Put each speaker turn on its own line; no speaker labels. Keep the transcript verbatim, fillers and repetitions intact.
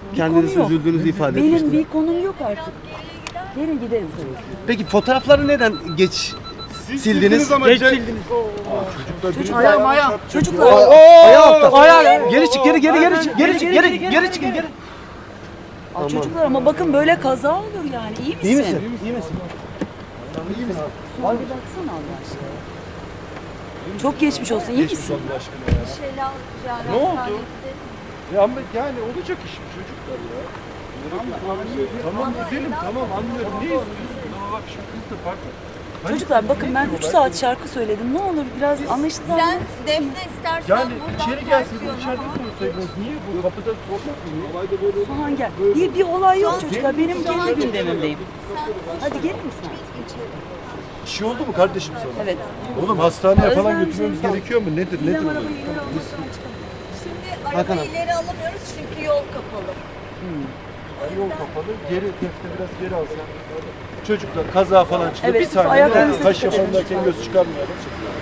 kendiniz
konu yok.
üzüldüğünüzü ifade
Benim
etmiştiniz.
bir konum yok artık. Gelin gidelim tabii.
Peki fotoğrafları neden geç sildiniz?
Geç sildiniz.
Çocuklar, ayağım, ayağım. Çocuklar.
Ayağı ayağı. Geri çık, geri geri geri çık, geri çık, geri geri çıkın, geri.
Aa, çocuklar ama bakın böyle kaza olur yani. İyi misin?
İyi misin? İyi misin?
Suha bir baksana Allah aşkına. Çok geçmiş olsun. İyi misin?
Ne oldu? Ya ama yani olacak iş bu çocuklar ya. Tamam güzelim tamam anlıyorum. Ne istiyorsun? Ama bak şu kız da farklı.
Çocuklar bakın ben üç saat şarkı söyledim. Ne olur biraz anlaşılan.
Sen Defne istersen
Yani
buradan
içeri gelsin
versiyonu
içeride
al.
sorsaydınız. Niye bu kapıda sormak mı? Olayda böyle
Suhan gel. Bir, bir olay yok çocuklar. Benim kendi gündemimdeyim. Hadi gelir misin?
bir şey oldu mu kardeşim sana?
Evet.
Oğlum hastaneye falan
Özlem
götürmemiz
şey-
gerekiyor mu? Nedir? Nedir
İrem
bu?
arabayı ileri almasına çıkalım.
Şimdi
Hakan
arabayı
abi.
ileri alamıyoruz çünkü yol kapalı.
Ay, yol kapalı. Geri defte biraz geri alsan. Çocuklar kaza falan çıktı.
Evet,
bir saniye.
ayaklarınıza
Taş
dikkat edin
yapanlarken
lütfen.
göz çıkarmayalım.